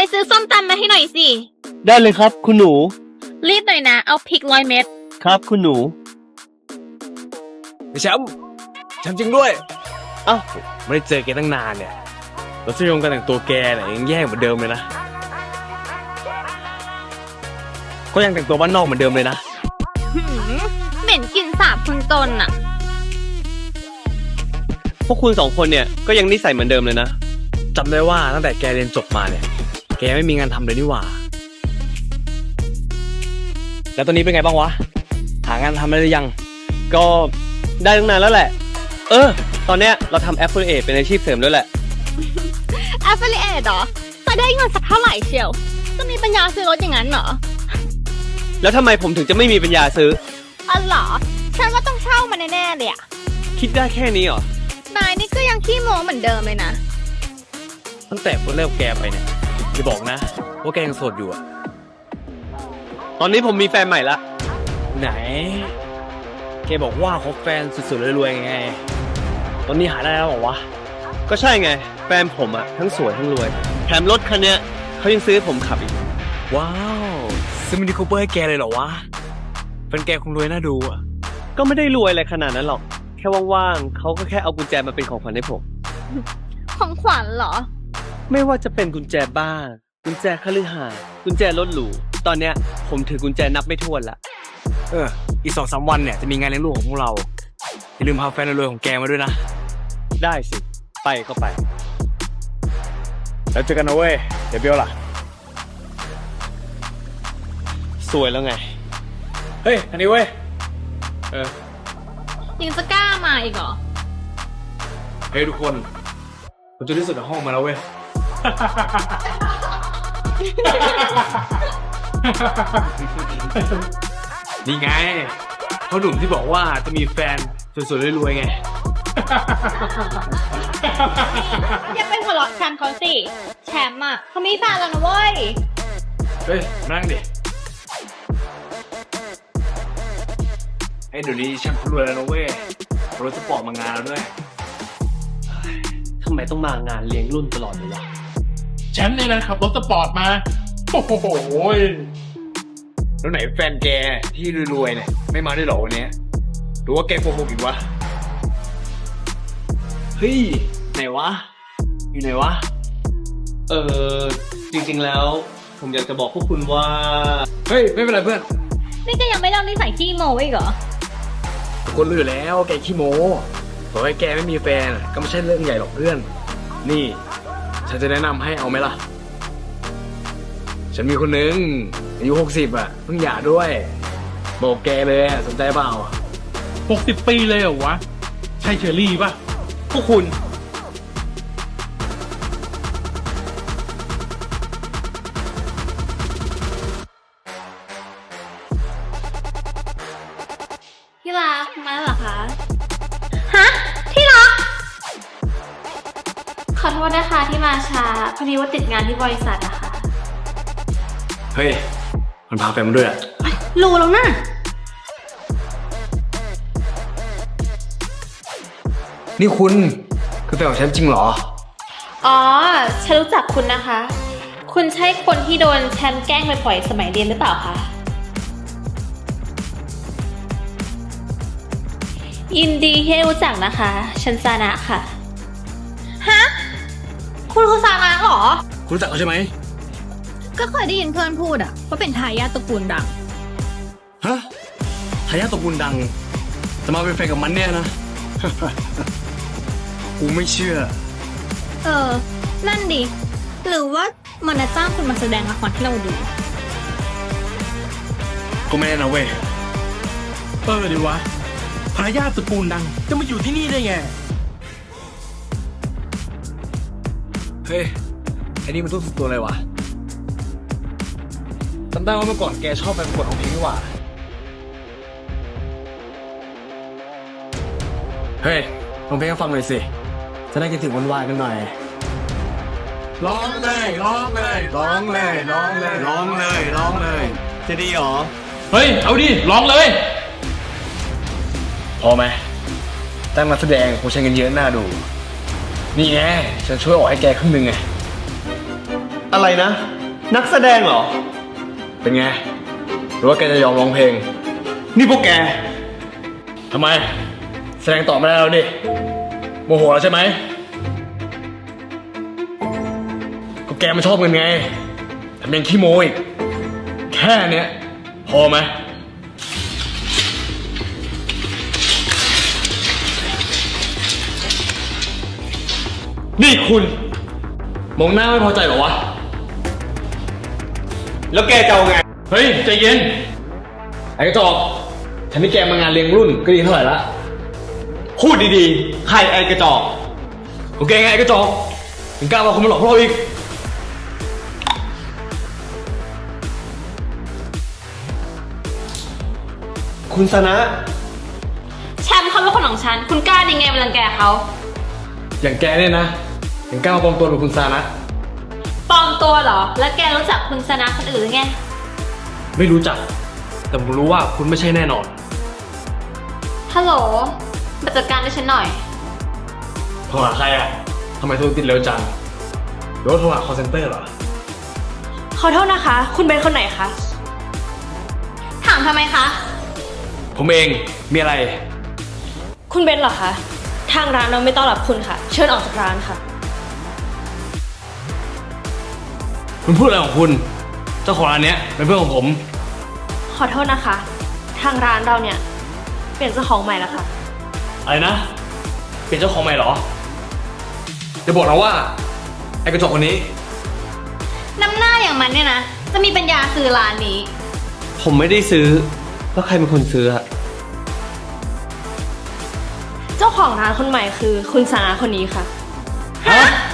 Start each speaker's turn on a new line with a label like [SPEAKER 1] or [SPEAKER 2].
[SPEAKER 1] ซื้อส้มตำมาให้หน่อยสิ
[SPEAKER 2] ได้เลยครับคุณหนู
[SPEAKER 1] รีบหน่อยนะเอาพริก100 เม็ด
[SPEAKER 2] ครับคุณหนู
[SPEAKER 3] แชมป์จริงด้วยเอ้าไม่ได้เจอแกตั้งนานเนี่ยรสนิยมการแต่งตัวแกเนี่ยยังแย่เหมือนเดิมเลยนะก็ยังแต่งตัวบ้านนอกเหมือนเดิมเลยนะ
[SPEAKER 1] เหม็นกลิ่นสาบคุณตนอะ
[SPEAKER 2] พวกคุณ2 คนเนี่ยก็ยังนิสัยเหมือนเดิมเลยนะ
[SPEAKER 3] จำได้ว่าตั้งแต่แกเรียนจบมาเนี่ยแกไม่มีงานทำเลยนี่หว่าแล้วตอนนี้เป็นไงบ้างวะหางานทำได้หรือยัง
[SPEAKER 2] ก็ได้ตั้งนานแล้วแหละตอนเนี้ยเราทำ Affiliate เป็นอาชีพเสริมด้วยแหละ
[SPEAKER 1] Affiliate เหรอจะได้เงินสักเท่าไหร่เชียวจะมีปัญญาซื้อรถอย่างนั้นเหรอ
[SPEAKER 2] แล้วทำไมผมถึงจะไม่มีปัญญาซื้อ
[SPEAKER 1] อ๋อเหรอฉันว่าต้องเช่ามันแน่ๆเลยอะ
[SPEAKER 2] คิดได้แค่นี้เหร
[SPEAKER 1] อนายนี่ก็ยังขี้โม้เหมือนเดิมเลยนะ
[SPEAKER 3] ตั้งแต่คนเลิกแกไปเนี่ยอย่าบอกนะว่าแกยังโสดอยู่อะ
[SPEAKER 2] ตอนนี้ผมมีแฟนใหม่ละ
[SPEAKER 3] ไหนแกบอกว่าคบแฟนสุดๆรวยๆไงตอนนี้หาได้แล้วเหรอวะ
[SPEAKER 2] ก็ใช่ไงแฟนผมอะทั้งสวยทั้งรวยแถมรถคันเนี้ยเขายังซื้อให้ผมขับอีก
[SPEAKER 3] ว้าวซื้อมินิคูเปอร์ให้แกเลยเหรอวะเป็นแกคงรวยน่าดูอะ
[SPEAKER 2] ก็ไม่ได้รวยอะไรขนาดนั้นหรอกแค่ว่างๆเขาก็แค่เอากุญแจมาเป็นของขวัญให้ผม
[SPEAKER 1] ของขวัญเหรอ
[SPEAKER 2] ไม่ว่าจะเป็นกุญแจบ้านกุญแจคฤหาสน์กุญแจรถหรูตอนเนี้ยผมถือกุญแจนับไม่ถ้วนละ
[SPEAKER 3] อีก2-3 วันเนี่ยจะมีงานเลี้ยงลูกของพวกเราอย่าลืมพาแฟนรวยของแกมาด้วยนะ
[SPEAKER 2] ได้สิไปก็ไป
[SPEAKER 3] แล้วเจอกันนะเว้ยเดี๋ยวเบลล่ะ
[SPEAKER 2] สวยแล้วไง
[SPEAKER 3] เฮ้ยอันนี้เว้ย
[SPEAKER 1] ยังจะกล้ามาอีกเหรอ
[SPEAKER 3] เฮ้ยทุกคนผมจะที่สุดในห้องมาแล้วเว้ยนี่ไงเขาหนุ่มที่บอกว่าจะมีแฟนสวยๆรวยๆไง
[SPEAKER 1] อย่าไปหัวเราะแชมป์เขาสิแชมป์อ่ะเขามีแฟนแล้วนะเว้ย
[SPEAKER 3] เฮ้ยนั่งดิไอ้เดี๋ยวนี้แชมป์รวยแล้วนะเว้ยรถสปอร์ตมางานแล้วด้วย
[SPEAKER 2] ทำไมต้องมางานเลี้ยงรุ่นตลอดเลยวะ
[SPEAKER 4] แชมป์เนี่ยนะขับรถสปอร์ตมาโอ้โห
[SPEAKER 3] แล้วไหนแฟนแกที่รวยๆเนี่ยไม่มาได้หรอวันนี้หรือว่าแกโกหกอีกวะเฮ้ยไหนวะอยู่ไหนวะ
[SPEAKER 2] จริงๆแล้วผมอยากจะบอกพวกคุณว่า
[SPEAKER 3] เฮ้ยไม่เป็นไรเพื่อน
[SPEAKER 1] นี่ก็ยังไม่เล่านิสัยขี้โม้อีกเหรอ
[SPEAKER 3] ทุกคนรู้อยู่แล้วแกขี้โม้บอกให้แกไม่มีแฟนก็ไม่ใช่เรื่องใหญ่หรอกเพื่อนนี่ฉันจะแนะนำให้เอาไหมล่ะฉันมีคนนึงอายุ60อ่ะเพิ่งหย่าด้วยบอกแกเลยสนใจเปล่า
[SPEAKER 4] 60 ปีเลยเหรอวะใช่เชอรี่ป่ะ
[SPEAKER 2] พวกคุณ
[SPEAKER 1] ที่รักมาเหรอคะฮะที่รักขอโทษนะคะที่มาช้าพอดีว่าติดงานที่บริษัทอะค่ะ
[SPEAKER 3] เฮ้ยมันพาแฟนมาด้วยอะ
[SPEAKER 1] รู้แล้วนะ
[SPEAKER 3] นี่คุณคือแฟนของฉันจริงเหรอ
[SPEAKER 1] อ๋อฉันรู้จักคุณนะคะคุณใช่คนที่โดนแชมป์แกล้งไปปล่อยสมัยเรียนหรือเปล่าคะยินดีที่รู้จักนะคะฉันซานะค่ะฮะคุณคือซานะเหรอ
[SPEAKER 3] คุณรู้จักเขาใช่ไหม
[SPEAKER 1] ก็เคยได้ยินเพื่อนพูดอะว่าเป็นทายาทตระกูลดัง
[SPEAKER 3] ฮะทายาทตระกูลดังจะมาเป็นแฟนกับมันเนี่ยนะ กูไม่เชื่อ
[SPEAKER 1] นั่นดิหรือว่ามันจะจ้างคุณมาแสดงละครให้เราดู
[SPEAKER 3] ก็ไม่แน่นะเว้ย
[SPEAKER 4] ดิวะทายาทตระกูลดังจะมาอยู่ที่นี่ได้ไง
[SPEAKER 3] เฮ้ยไอ้นี่มันต้องสุดตัวเลยวะจำได้ว่าเมื่อก่อนแกชอบไปประกวดร้องเพลงนี่หว่าเฮ้ยร้องเพลงให้ฟังหน่อยสิจะได้คิดถึงวันวานกันหน่อยร้องเลยร้องเลยร้องเลยร้องเลยร้องเลยร้องเลยจะดีหรอ
[SPEAKER 4] เฮ้ยเอาดิร้องเลย
[SPEAKER 3] พอไหมตั้งนักแสดงคงใช้เงินเยอะน่าดูนี่ไงฉันช่วยออกให้แกครึ่งนึงไง
[SPEAKER 2] อะไรนะ นักแสดงเหรอ
[SPEAKER 3] เป็นไง หรือว่าแกจะยอมร้องเพลง
[SPEAKER 2] นี่พวกแก
[SPEAKER 3] ทำไม แสดงต่อไม่ได้แล้วดิโมโหแล้วใช่ไหมก็แกมันชอบเงินไงแถมยังขี้โมอีกแค่เนี้ยพอไหมนี่คุณมองหน้าไม่พอใจเหรอวะ
[SPEAKER 2] แล้วแกจะเอาไง
[SPEAKER 3] เฮ้ย ใจเย็น ไอ้กระจอกฉันนี่แกมางานเลี้ยงรุ่นก็ดีเท่าไหร่ละ
[SPEAKER 2] พูดดีๆ ใครไอ้กระจอก
[SPEAKER 3] โอเคไงไอ้กระจอกถึงกล้ามาคนมาหลอกพวกเราอีก
[SPEAKER 2] คุณสนะ
[SPEAKER 1] แชมป์เขาเป็นคนของฉัน คุณกล้าดีไงมารังแกเขา
[SPEAKER 3] อย่างแกเนี่ยนะถึงกล้ามาปลอมตัวเป็นคุณซานะ
[SPEAKER 1] ปลอมตัวเหรอ แล้วแกรู้จักคุณสนะคนอื่นหรือไง
[SPEAKER 3] ไม่รู้จัก แต่ผมรู้ว่าคุณไม่ใช่แน่นอน
[SPEAKER 1] ฮัลโหล มาจัดการให้ฉันหน่อย
[SPEAKER 3] โทรหาใครอ่ะทำไมโทรติดเร็วจังหรือว่าโทรหา call center เหรอ
[SPEAKER 1] ขอโทษนะคะ คุณเป็นคนไหนคะ ถามทำไมคะ
[SPEAKER 3] ผมเอง มีอะไร
[SPEAKER 1] คุณเบนเหรอคะ ทางร้านเราไม่ต้อนรับคุณค่ะ เชิญออกจากร้านค่ะ
[SPEAKER 3] คุณพูดอะไรของคุณ เจ้าของร้านเนี้ยเป็นเพื่อนของผม
[SPEAKER 1] ขอโทษนะคะ ทางร้านเราเนี่ย เปลี่ยนเจ้าของใหม่แล้วค่ะ
[SPEAKER 3] อะไรนะ เป็นเจ้าของใหม่เหรอ จะบอกเราว่า ไอ้กระจกคนนี้
[SPEAKER 1] น้ำหน้าอย่างมันเนี่ยนะ จะมีปัญญาซื้อร้านนี้
[SPEAKER 2] ผมไม่ได้ซื้อ แล้วใครเป็นคนซื้ออะ
[SPEAKER 1] เจ้าของร้านคนใหม่คือคุณสานาคนนี้ค่ะ
[SPEAKER 3] ฮะ